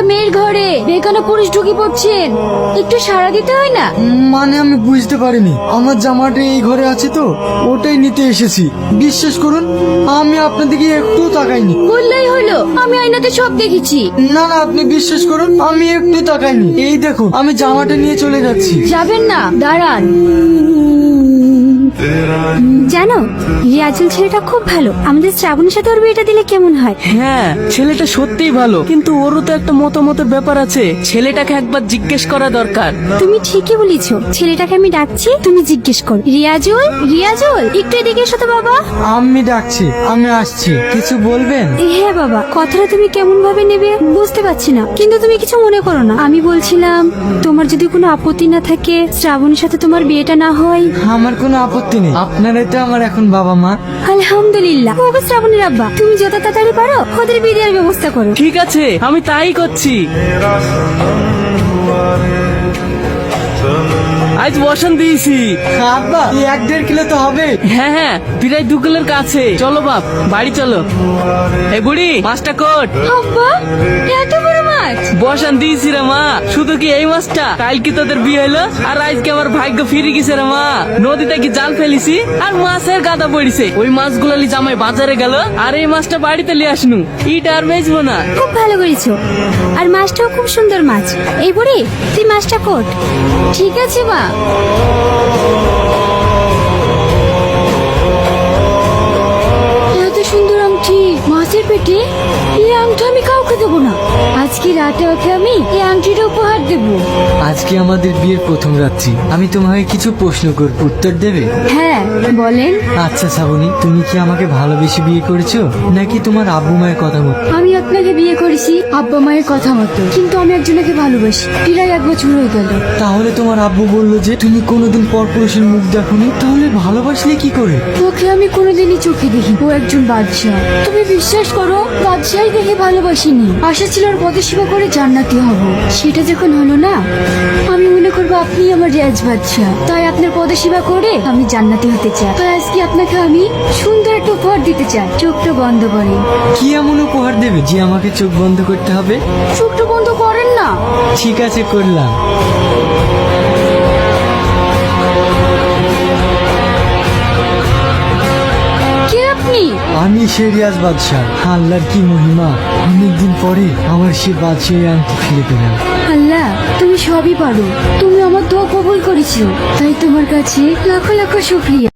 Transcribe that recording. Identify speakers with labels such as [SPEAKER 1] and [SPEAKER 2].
[SPEAKER 1] মেয়ের ঘরে বেগানা পুরুষ ঢুকে পড়ছেন, একটু সাড়া দিতে হয় না?
[SPEAKER 2] মানে আমি বুঝতে পারিনি, আমার জামাটা এই ঘরে আছে তো ওটাই নিতে এসেছি। বিশ্বাস করুন আমি আপনার দিকে একটু তাকাইনি।
[SPEAKER 1] বললেই হলো, আমি আয়নাতে সব দেখেছি।
[SPEAKER 2] না না, আপনি বিশ্বাস করুন আমি একটু তাকাইনি। এই দেখুন আমি জামাটা নিয়ে চলে যাচ্ছি।
[SPEAKER 1] যাবেন না, দাঁড়ান।
[SPEAKER 3] জানো, রিয়াজুল ছেলেটা খুব ভালো। আমাদের শ্রাবণের সাথে ওর বিয়েটা দিলে কেমন হয়?
[SPEAKER 4] হ্যাঁ, ছেলেটা সত্যিই ভালো, কিন্তু ওরও তো একটা মতামতের ব্যাপার আছে। ছেলেটাকে একবার জিজ্ঞেস করা দরকার।
[SPEAKER 3] তুমি ঠিকই বলেছো, ছেলেটাকে আমি ডাকছি, তুমি জিজ্ঞেস করো। রিয়াজুল, রিয়াজুল, একটু এদিকে এসো তো বাবা।
[SPEAKER 2] আমি ডাকছি, আমি আসছি। কিছু বলবেন?
[SPEAKER 3] হ্যাঁ বাবা, কথাটা তুমি কেমন ভাবে নেবে বুঝতে পারছি না, কিন্তু তুমি কিছু মনে করো না। আমি বলছিলাম, তোমার যদি কোনো আপত্তি না থাকে শ্রাবণের সাথে তোমার বিয়েটা না হয়।
[SPEAKER 2] আমার কোনো আপত্তি নেই, আপনারাই তো আমার এখন বাবা মা।
[SPEAKER 3] আলহামদুলিল্লাহ। ওগো শ্রাবণীর আব্বা, তুমি যত তাড়াতাড়ি পারো ওদের বিয়ে দেওয়ার ব্যবস্থা করো।
[SPEAKER 4] ঠিক আছে, আমি তাই করছি। আজ বসান দিয়েছি।
[SPEAKER 2] আব্বা এই 1-1.5 কিলো তো হবে।
[SPEAKER 4] হ্যাঁ হ্যাঁ, প্রায় 2 কিলোর কাছে। চলো বাপ, বাড়ি চলো। এই বুড়ি, মাছটা কোট।
[SPEAKER 1] আব্বা, এত বড় মাছ!
[SPEAKER 4] বসান দিয়েছি রে মা। শুধু কি এই মাছটা? কাল কি তোদের বিয়ে হলো আর আজকে আমার ভাগ্য ফিরে গেছে রে মা। নদীতে কি জাল ফেলিছি আর মাছের গাদা পড়িছে। ওই মাছগুলো লি জামাই বাজারে গেল আর এই মাছটা বাড়িতে নিয়ে আসনু। ইটা আর বেচবো না।
[SPEAKER 3] খুব ভালো করেছো, আর মাছটাও খুব সুন্দর মাছ। এই বুড়ি, তুই মাছটা কোট।
[SPEAKER 1] ঠিক আছে মা। এত সুন্দর আংটি মাছের পেটে, এই আংটি আমি কাউকে দেবো না। আজকে রাতে ওকে আমি এই আংটিটা উপহার দেবো।
[SPEAKER 2] আজকে আমাদের বিয়ের প্রথম রাত্রি, আমি তোমাকে কিছু প্রশ্ন করব, উত্তর দেবে?
[SPEAKER 1] হ্যাঁ বলেন।
[SPEAKER 2] আচ্ছা শ্রাবণী, তুমি কি আমাকে ভালোবেসে বিয়ে করেছো নাকি তোমার আব্বু মায়ের কথা মতো?
[SPEAKER 1] আমি আপনাকে বিয়ে করেছি আব্বা মায়ের কথা মতো, কিন্তু আমি একজনকে ভালোবাসি। প্রায় 1 বছর হয়ে গেল।
[SPEAKER 2] তাহলে তোমার আব্বু বললো যে তুমি কোনোদিন পরপুরুষের মুখ দেখোনি, তাহলে ভালোবাসলে কি করে?
[SPEAKER 1] ওকে আমি কোনোদিনই চোখে দেখি, ও একজন বাদশাহ। তুমি বিশ্বাস করো, বাদশাহী দেখে ভালোবাসিনি। আশা ছিল ওর পদসেবা করে জান্নাতি হব। সেটা যখন হলো না, আমি মনে করবো আপনি আমার রিয়াজ বাদশাহ। তাই আপনার পদসেবা করে আমি জান্নাতি হতে চাই। তাই আজকে আপনাকে আমি সুন্দর একটা উপহার দিতে চাই। চোখটা বন্ধ করে।
[SPEAKER 2] কি এমন উপহার দেবে যে আমাকে চোখ বন্ধ করতে হবে?
[SPEAKER 1] চোখটা বন্ধ করেন না।
[SPEAKER 2] ঠিক আছে, করলাম।
[SPEAKER 1] কে আপনি?
[SPEAKER 2] আমি সে রিয়াজ বাদশাহ। আল্লাহর কি মহিমা, অনেকদিন পরে আমার সে বাদশাহী আংটি ফিরে পেলাম।
[SPEAKER 1] আল্লাহ, তুমি সবই পারো। তুমি আমার দোয়া কবুল করেছো, তাই তোমার কাছে লাখো লাখো শুকরিয়া।